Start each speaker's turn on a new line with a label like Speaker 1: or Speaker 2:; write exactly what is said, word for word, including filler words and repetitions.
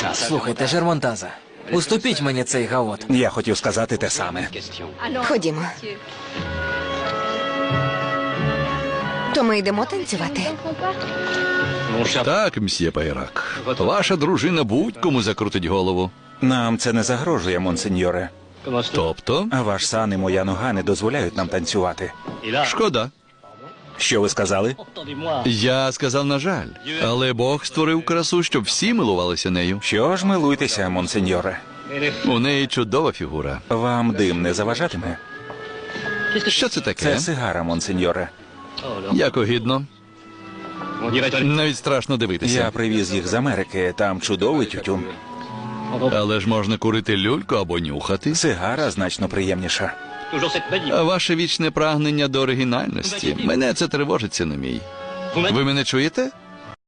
Speaker 1: Слухайте, Жермонтаза, уступіть мені цей гаот.
Speaker 2: Я хотів сказати те саме.
Speaker 3: Ходімо. То ми йдемо танцювати.
Speaker 4: Так, мсьє Пайрак. Ваша дружина будь-кому закрутить голову.
Speaker 2: Нам це не загрожує, монсеньоре.
Speaker 4: Тобто?
Speaker 2: А ваш сан і моя нога не дозволяють нам танцювати.
Speaker 4: Шкода.
Speaker 2: Що ви сказали?
Speaker 4: Я сказав, на жаль. Але Бог створив красу, щоб всі милувалися нею.
Speaker 2: Що ж, милуйтеся, монсеньоре.
Speaker 4: У неї чудова фігура.
Speaker 2: Вам дим не заважатиме?
Speaker 4: Що це таке?
Speaker 2: Це сигара, монсеньоре.
Speaker 4: Як огідно. Навіть страшно дивитися.
Speaker 2: Я привіз їх з Америки, там чудовий тютюн.
Speaker 4: Але ж можна курити люльку або нюхати.
Speaker 2: Сигара значно приємніша.
Speaker 4: А ваше вічне прагнення до оригінальності. Мене це тривожиться на мій. Ви мене чуєте?